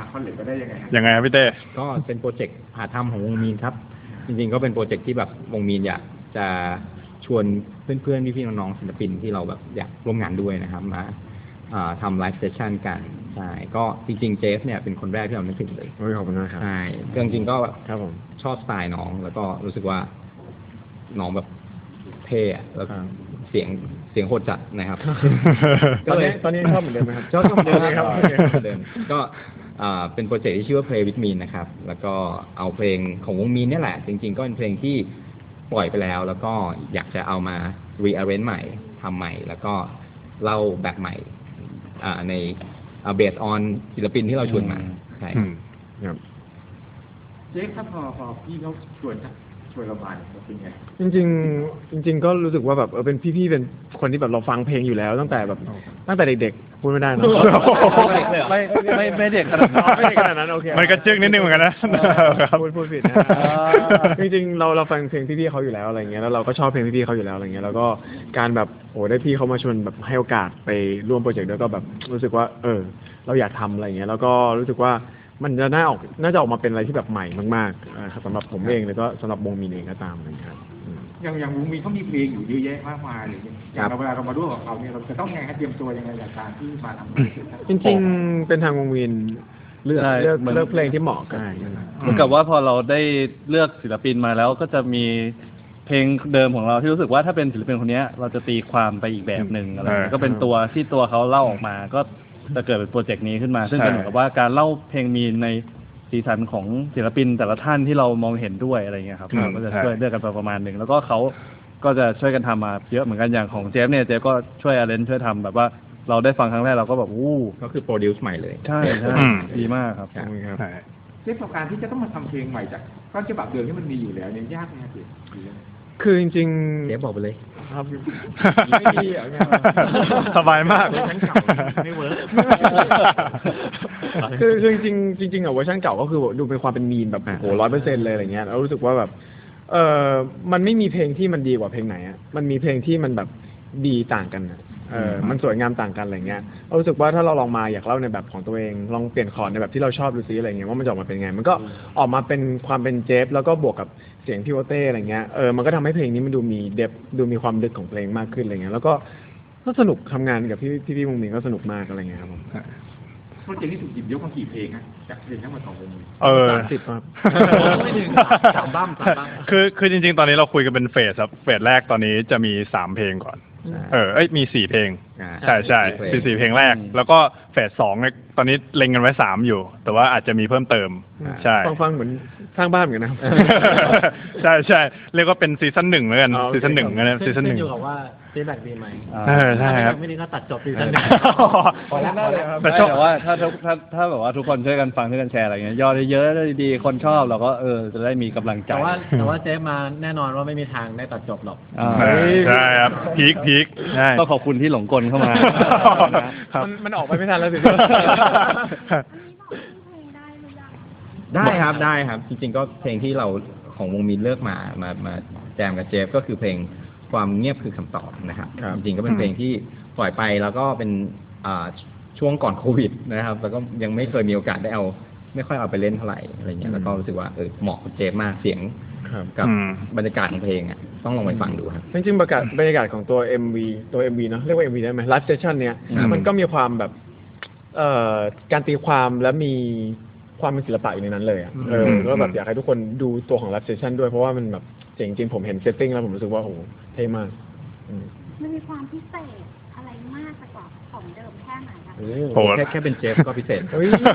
คอนเล็กก็ได้ยังไงครับพี่เต้ก็เป็นโปรเจกต์หาทำของวงมีนครับจริงๆก็เป็นโปรเจกต์ที่แบบวงมีนอยากจะชวนเพื่อนๆพี่ๆน้องๆศิลปินที่เราแบบอยากร่วมงานด้วยนะครับมาทำไลฟ์เซสชั่นกันใช่ก็จริงๆเจฟเนี่ยเป็นคนแรกที่เรานึกถึงเลยขอบคุณมากครับใช่จริงๆก็ครับผมชอบสไตล์น้องแล้วก็รู้สึกว่าน้องแบบเท่แล้วเสียงโหดจัดนะครับตอนนี้ชอบเหมือนเดิมไหมครับชอบเหมือนเดิมครับก็เป็นโปรเจกต์ที่ชื่อว่า Play with Me นะครับแล้วก็เอาเพลงของวงมีนนี่แหละจริงๆก็เป็นเพลงที่ปล่อยไปแล้วแล้วก็อยากจะเอามา rearrange ใหม่ทำใหม่แล้วก็เล่าแบบใหม่ในbased on ศิลปินที่เราชวนมาใช่ครับเจ๊ถ้าพอพี่เขาชวนเรามาเป็นไงจริงก็รู้สึกว่าแบบเป็นพี่ๆเป็นคนที่แบบเราฟังเพลงอยู่แล้วตั้งแต่เด็กๆพูดไม่ได้นะไม่เด็กขนาดนั้นไม่เด็กขนาดนั้นโอเคมันกระจึกนิดนึงเหมือนกันนะพูดผิดนะจริงๆเราฟังเพลงพี่ๆเขาอยู่แล้วอะไรเงี้ยแล้วเราก็ชอบเพลงพี่ๆเขาอยู่แล้วอะไรเงี้ยแล้วก็การแบบได้พี่เขามาชวนแบบให้โอกาสไปร่วมโปรเจกต์ด้วยก็แบบรู้สึกว่าเราอยากทำอะไรเงี้ยแล้วก็รู้สึกว่ามันจะน่าจะออกมาเป็นอะไรที่แบบใหม่มากๆสำหรับผมเองแล้วก็สำหรับวงมีนเองก็ตามนะครับอย่างวงมีนเขามีเพลงอยู่เยอะแยะมากมายเลยอย่างเวลาเรามาร่วมกับเขาเนี่ยเราจะต้องยังไงเตรียมตัวยังไงจากการที่มาทำจริงๆเป็นทางวงมีนเลือกเพลงที่เหมาะกันเหมือนกับว่าพอเราได้เลือกศิลปินมาแล้วก็จะมีเพลงเดิมของเราที่รู้สึกว่าถ้าเป็นศิลปินคนนี้เราจะตีความไปอีกแบบหนึ่งอะไรก็เป็นตัวที่ตัวเขาเล่าออกมาก็จะเกิดเป็นโปรเจกต์นี้ขึ้นมาซึ่งเป็นเหมือนกับว่าการเล่าเพลงมีในสีสันของศิลปินแต่ละท่านที่เรามองเห็นด้วยอะไรเงี้ยครับก็จะช่วยเลือกกันประมาณหนึ่งแล้วก็เขาก็จะช่วยกันทำมาเยอะเหมือนกันอย่างของเจฟเนี่ยเจฟก็ช่วยอาเลนช่วยทำแบบว่าเราได้ฟังครั้งแรกเราก็แบบก็คือโปรดิวซ์ใหม่เลยใช่ดีมากครับเรื่องของการที่จะต้องมาทำเพลงใหม่จากต้นฉบับเดิมที่มันมีอยู่แล้วเนี่ยยากไหมครับคือจริงๆเจฟบอกไปเลยครับไม่ดีสบายมากเวอร์ชันเก่าไม่เวิร์กคือจริงเวอร์ชันเก่าก็คือดูเป็นความเป็นมีนแบบโห100%เลยอะไรเงี้ยแล้วรู้สึกว่าแบบมันไม่มีเพลงที่มันดีกว่าเพลงไหนอ่ะมันมีเพลงที่มันแบบดีต่างกันอ่ะมันสวยงามต่างกันอะไรเงี้ยรู้สึกว่าถ้าเราลองมาอยากเล่าในแบบของตัวเองลองเปลี่ยนคอร์ดในแบบที่เราชอบดูซิอะไรเงี้ยว่ามันจะออกมาเป็นไงมันก็ออกมาเป็นความเป็นเจฟแล้วก็บวกกับเสียงพี่โอเต้อะไรเงี้ยมันก็ทำให้เพลงนี้มันดูมีเดฟดูมีความลึกของเพลงมากขึ้นอะไรเงี้ยแล้วก็สนุกทำงานกับพี่วงมีนก็สนุกมากอะไรเงี้ยครับผมโปรเจกต์นี้ถูกหยิบยกมากี่เพลงนะจากเพลงทั้งหมดของวงมีน 30ครับไม่ถึง3 บ้างคือจริงๆตอนนี้เราคุยกันเป็นเฟสแรกตอนนี้จะมี3เพลงก่อนมี4เพลงใช่เป็น4เพลงแรกแล้วก็เฟส2เนี่ยตอนนี้เล็งกันไว้3อยู่แต่ว่าอาจจะมีเพิ่มเติมใช่ฟังเหมือนสร้างบ้านเหมือนกันนะใช่เรียกว่าเป็นซีซั่น1แล้วกันซีซั่น1นะซีซั่น1 อยู่กับว่าฟีดแบ็กดีไหมใช่ครับไม่ดีก็ตัดจบซีซั่น1 พอแล้วแต่ว่าถ้าแบบว่าทุกคนช่วยกันฟังช่วยกันแชร์อะไรเงี้ยยอดเยอะๆดีคนชอบเราก็จะได้มีกำลังใจแต่ว่าเจฟมาแน่นอนว่าไม่มีทางได้ตัดจบหรอกใช่ครับพีคก็ขอบคุณที่หลงกลเข้ามามันออกไปไม่ทันแล้วสิได้ครับจริงๆก็เพลงที่เราของวงมีนเลือกมาแจมกับเจฟก็คือเพลงความเงียบคือคำตอบนะครับจริงๆก็เป็นเพลงที่ปล่อยไปแล้วก็เป็นช่วงก่อนโควิดนะครับแล้วก็ยังไม่เคยมีโอกาสได้ไม่ค่อยเอาไปเล่นเท่าไหร่อะไรเงี้ยแล้วก็รู้สึกว่าเหมาะกับเจฟมากเสียงกับบรรยากาศของเพลงอ่ะต้องลองไปฟังดูครับจริงๆบรรยากาศของตัว MV เนาะเรียกว่า MV ได้ไหมไลฟ์เซสชั่นเนี้ยมันก็มีความแบบการตีความและมีความเป็นศิลปะอยู่ในนั้นเลยก็แบบอยากให้ทุกคนดูตัวของไลฟ์เซสชั่นด้วยเพราะว่ามันแบบจริงๆผมเห็นเซตติ้งแล้วผมรู้สึกว่าโอ้โหเท่มากมันมีความพิเศษอะไรมากกว่าของเดิมแค่ไหนคะแค่เป็นเจฟก็พิเศษ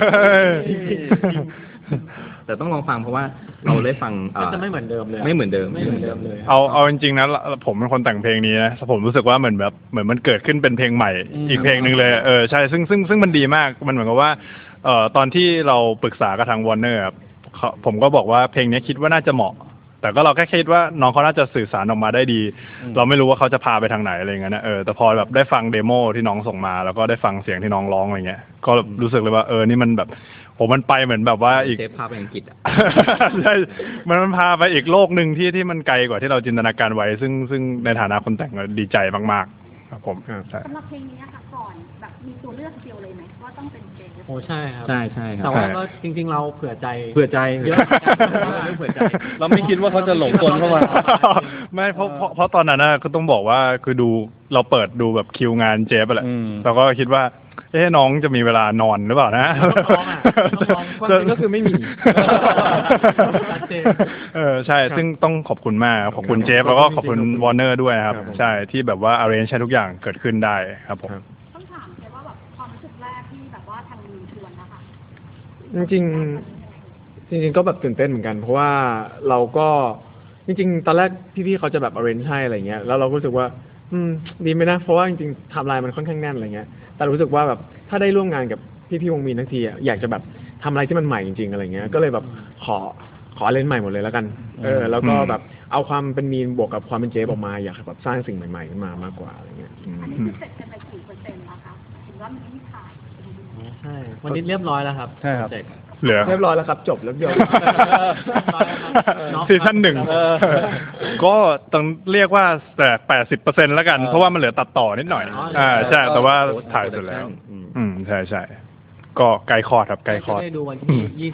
แต่ต้องลองฟังเพราะว่าเราได้ฟังจะไม่เหมือนเดิมเลยเลยเอาจริงๆนะผมเป็นคนแต่งเพลงนี้นะผมรู้สึกว่าเหมือนมันเกิดขึ้นเป็นเพลงใหม่อีกเพลงนึงเลยใช่ซึ่งมันดีมากมันเหมือนกับว่าตอนที่เราปรึกษากับทางวอร์เนอร์ครับผมก็บอกว่าเพลงนี้คิดว่าน่าจะเหมาะแต่ก็เราแค่คิดว่าน้องเขาน่าจะสื่อสารออกมาได้ดีเราไม่รู้ว่าเขาจะพาไปทางไหนอะไรเงี้ยนะแต่พอแบบได้ฟังเดโมที่น้องส่งมาแล้วก็ได้ฟังเสียงที่น้องร้องอะไรเงี้ยก็รู้สึกเลยว่านี่มันแบบมันไปเหมือนแบบว่าอีกเทปพาไปอังกฤษใช่มันพาไปอีกโลกหนึ่งที่มันไกลกว่าที่เราจินตนาการไว้ซึ่งในฐานะคนแต่งดีใจมากๆครับผมสำหรับเพลงนี้ค่ะก่อนแบบมีตัวเลือกเดียวเลยไหมว่าต้องเป็นเจฟโอ้ใช่ครับใช่ใช่ครับแต่ว่าก็จริง ๆ เราเผื่อใจเผื่อใจเยอะเรื่องเผื่อใจเราไม่คิดว่าเขาจะหลงกลเข้ามาไม่เพราะตอนนั้นก็ต้องบอกว่าคือดูเราเปิดดูแบบคิวงานเจฟไปแหละอืมเราก็คิดว่าน้องจะมีเวลานอนหรือเปล่านะต้องลองความจริงก็คือไม่มีชัดเจนใช่ซึ่งต้องขอบคุณมากขอบคุณเจฟแล้วก็ขอบคุณวอร์เนอร์ด้วยนะครับใช่ที่แบบว่า arrange ให้ทุกอย่างเกิดขึ้นได้ครับผมต้องถามเจฟว่าแบบความรู้สึกแรกที่แบบว่าทางมีชวนนะคะจริงๆจริงๆก็แบบตื่นเต้นเหมือนกัน เพราะว่าเราก็จริงๆตอนแรกพี่ๆเขาจะแบบ arrange ให้อะไรเงี้ยแล้วเราก็รู้สึกว่าดีไหมนะเพราะว่าจริงๆไทม์ไลน์มันค่อนข้างแน่นอะไรเงี้ยแต่รู้สึกว่าแบบถ้าได้ร่วมงานกับพี่ๆวงมีนทั้งทีอยากจะแบบทำอะไรที่มันใหม่จริงๆอะไรเงี้ยก็เลยแบบขอเล่นใหม่หมดเลยแล้วกันแล้วก็แบบเอาความเป็นมีนบวกกับความเป็นเจฟออกมาอยากแบบสร้างสิ่งใหม่ๆขึ้นมามากกว่าอะไรเงี้ยอันนี้คือเสร็จกันไปกี่เปอร์เซ็นต์แล้วคะถึงว่ามันไม่ขาดใช่วันนี้เรียบร้อยแล้วครับใช่ครับโปเจกต์เหลือเรียบร้อยแล้วครับจบแล้วเดียวซีซั่นหนึ่งก็ต้องเรียกว่าแต่80%แล้วกัน เพราะว่ามันเหลือตัดต่อนิดหน่อยใช่แต่ว่าถ่ายเสร็จแล้ว ใช่ก็ใกล้คลอดครับใกล้คลอดได้ดูวันที่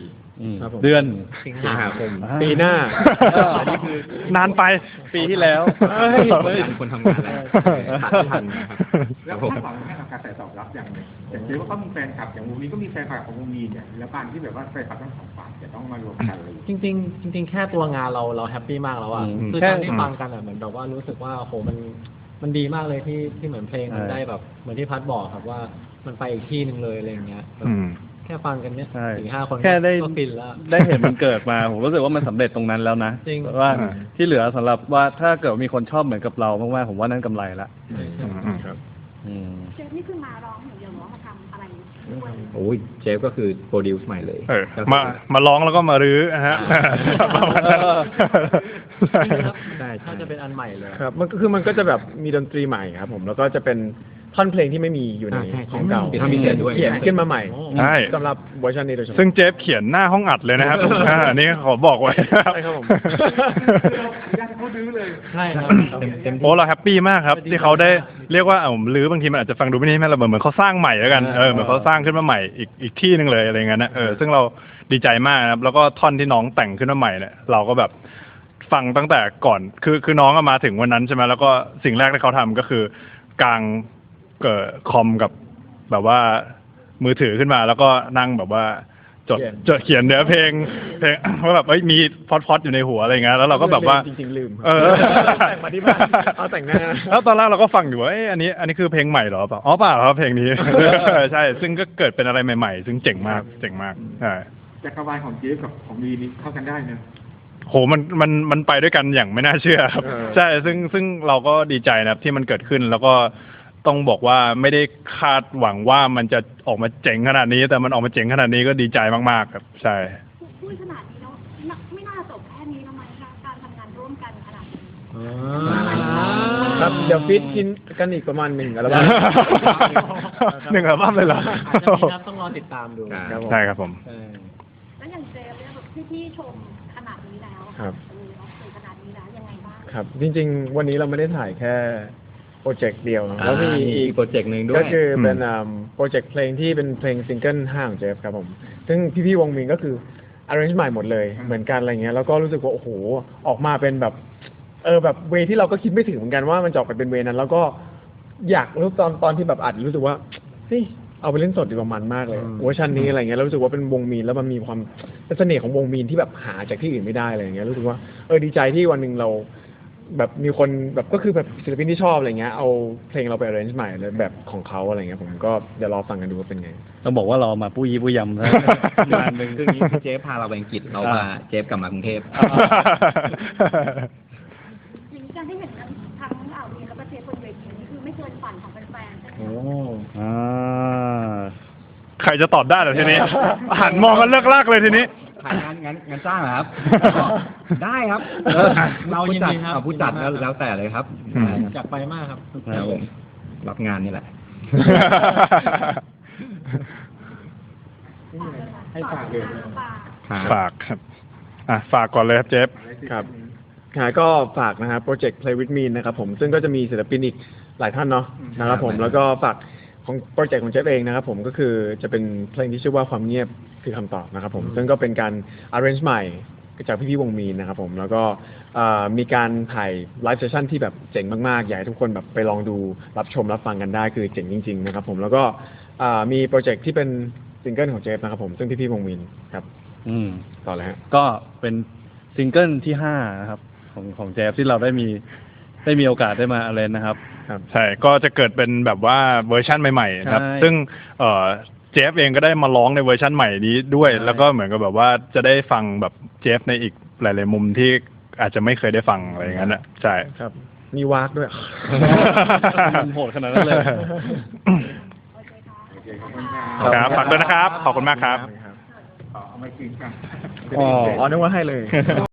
24 ครับผมเดือนสิงหาคมปีหน้าอันนี้คือนานไปปีที่แล้วคนทำงานแล้วตัดไม่ทันนะครับแล้วคาดหวังให้กับการตอบรับอย่างหนึ่งอย่างเช่นว่าเขามีแฟนคลับอย่างวงนี้ก็มีแฟนคลับของวงมีเนี่ยแล้วการที่แบบว่าแฟนคลับทั้งสองฝ่ายจะต้องมารวมกันเลยจริงๆแค่ตัวงานเราแฮปปี้มากแล้วอ่ะคือตอนที่ฟังกันอ่ะเหมือนแบบว่ารู้สึกว่าโอ้โหมันดีมากเลยที่เหมือนเพลงมันได้แบบเหมือนที่พัดบอกครับว่ามันไปอีกที่หนึ่งเลยอะไรอย่างเงี้ยแบบแค่ฟังกันเนี้ยใช่ 4-5 คนแค่ได้ก็ฟินแล้วได้เห็นมันเกิดมา ผมรู้สึกว่ามันสำเร็จตรงนั้นแล้วนะจริงว่าที่เหลือสำหรับว่าถ้าเกิดมีคนชอบเหมือนกับเรามากๆผมว่านั่นกำไรละครับอืมเจฟนี่คือมาร้องอย่างเดียวหรือว่ามาทำอะไรด้วยโอ้ยเจฟก็คือโปรดิวซ์ใหม่เลยมาร้องแล้วก็มารื้อฮะประมาณนั้นใช่ถ้าจะเป็นอันใหม่เลยครับมันก็จะแบบมีดนตรีใหม่ครับผมแล้วก็จะเป็นท่อนเพลงที่ไม่มีอยู่ในของเก่ามีท่อนพิเศษด้วยเขียนขึ้นมาใหม่ใช่สำหรับเวอร์ชันนี้โดยเฉพาะซึ่งเจฟเขียนหน้าห้องอัดเลยนะครับอันนี้ขอบอกไว้ใช่ครับผมอยากให้เขาดื้อเลยใช่ครับเต็มที่โอ้เราแฮปปี้มากครับ ที่เขาได้เรียกว่ารื้อบางทีมันอาจจะฟังดูไม่ได้แม่เราเหมือนเขาสร้างใหม่แล้วกันเหมือนเขาสร้างขึ้นมาใหม่อีกที่หนึ่งเลยอะไรเงี้ยนะซึ่งเราดีใจมากนะครับแล้วก็ท่อนที่น้องแต่งขึ้นมาใหม่เนี่ยเราก็แบบฟังตั้งแต่ก่อนคือน้องมาถึงวันนั้นใช่ไหมแล้วก็สิ่งแรกที่เขาทำก็คือกางคอมกับแบบว่ามือถือขึ้นมาแล้วก็นั่งแบบว่าจดเขียนเนื้อเพลงว่าแบบมีพอดอยู่ในหัวอะไรเงี้ยแล้วเราก็แบบว่าจริงๆลืมแต่งมาที่บ้านเอาแต่งหน้าแล้วตอนแรกเราก็ฟังอยู่ว่าอันนี้คือเพลงใหม่เหรอเปล่าอ๋อเปล่าครับเพลงนี้ ใช่ซึ่งก็เกิดเป็นอะไรใหม่ๆซึ่งเจ๋งมากใช่จักรวาลของเจฟกับของมีนี่เข้ากันได้เนอะโหมันไปด้วยกันอย่างไม่น่าเชื่อครับใช่ซึ่งเราก็ดีใจนะครับที่มันเกิดขึ้นแล้วก็ต้องบอกว่าไม่ได้คาดหวังว่ามันจะออกมาเจ๋งขนาดนี้แต่มันออกมาเจ๋งขนาดนี้ก็ดีใจมากๆครับใช่พูดขนาดนี้แล้วไม่น่าจบแค่นี้แล้วไหมคะการทำงานร่วมกันขนาดนี้ครับเดี๋ยวฟิตกินกันอีกประมาณ1 อัลบั้มหนึ่งอัลบั้มเลยเหรออาจจะมีครับต้องรอติดตามดูครับผมใช่ครับผมใช่แล้วอย่างเจฟเนี่ยแบบพี่ชมขนาดนี้แล้วครับเราคุยขนาดนี้แล้วยังไงบ้างครับจริงๆ วันนี้เราไม่ได้ถ่ายแค่โปรเจกต์เดียวนะแล้วมีอีกโปรเจกต์หนึ่งด้วยก็คือเป็นโปรเจกต์เพลงที่เป็นเพลงซิงเกิล5ของเจฟครับผมซึ่งพี่ๆวงมินก็คือ arrange ใหม่หมดเลยเหมือนกันอะไรเงี้ยแล้วก็รู้สึกว่าโอ้โหออกมาเป็นแบบแบบเวที่เราก็คิดไม่ถึงเหมือนกันว่ามันจะออกไปเป็นเวนั้น แล้วก็อยากรู้ตอนที่แบบอัดรู้สึกว่าเฮ้ยเอาไปเล่นสดดีกว่ามันมากเลยเวอร์ชันนี้อะไรเงี้ยแล้วรู้สึกว่าเป็นวงมีนแล้วมันมีความเป็นเสน่ห์ของวงมีนที่แบบหาจากที่อื่นไม่ได้อะไรเงี้ยรู้สึกว่าดีใจที่วันหนึ่งเราแบบมีคนแบบก็คือแบบศิลปินที่ชอบอะไรเงี้ยเอาเพลงเราไป arrange ใหม่เลยแบบของเขาอะไรเงี้ยผมก็เดี๋ยวรอฟังกันดูว่าเป็นไงต้องบอกว่าเรามาปุ้ยปุ้ยยำนะงานหนึ่งคือนี้เจฟพาเราไปอังกฤษเราพาเจฟกลับมากรุงเทพอย่างนี้การที่เห็นทั้งวีแล้วก็เจฟบนเวทีนี่คือไม่เกินฝันของแฟนๆใช่ไหมโอ้อ่าใครจะตอบได้เหรอทีนี้ หันมองกันเลิกลากเลยทีนี้ถ่ายงานจ้างเหรอครับ ได้ครับเรายินดีครับผู้จัดแล้วแต่เลยครับอยากไปมากครับครับผมรับงานนี่แหละให้ฝากเลยฝากครับฝากก่อนเลยครับเจฟครับก็ฝากนะครับโปรเจกต์ Play with Me นะครับผมซึ่งก็จะมีศิลปินอีกหลายท่านเนาะนะครับผมแล้วก็ฝากของโปรเจกต์ของเจฟเองนะครับผมก็คือจะเป็นเพลงที่ชื่อว่าความเงียบคือคำตอบนะครับผมซึ่งก็เป็นการ arrange ใหม่จากพี่ๆวงมีนนะครับผมแล้วก็มีการถ่ายไลฟ์เซสชั่นที่แบบเจ๋งมากๆอยากให้ทุกคนแบบไปลองดูรับชมรับฟังกันได้คือเจ๋งจริงๆนะครับผมแล้วก็มีโปรเจกต์ที่เป็นซิงเกิลของเจฟนะครับผมซึ่งพี่ๆวงมีนครับต่อเลยฮะก็เป็นซิงเกิลที่5นะครับของเจฟที่เราได้มีโอกาสได้มาเล่นนะครับใช่ก็จะเกิดเป็นแบบว่าเวอร์ชั่นใหม่ๆนะครับใช่ซึ่งเจฟเองก็ได้มาร้องในเวอร์ชั่นใหม่นี้ด้วยใช่แล้วก็เหมือนกับแบบว่าจะได้ฟังแบบเจฟในอีกหลายๆมุมที่อาจจะไม่เคยได้ฟังอะไรอย่างนั้นอ่ะใช่ครับมีวากด้วยมันโหดขนาดนั้นเลยโอเคขอบคุณครับครับฝากด้วยนะครับ ขอบคุณมากครับเอาไม่คืนกันอ๋อนึกว่าให้เลย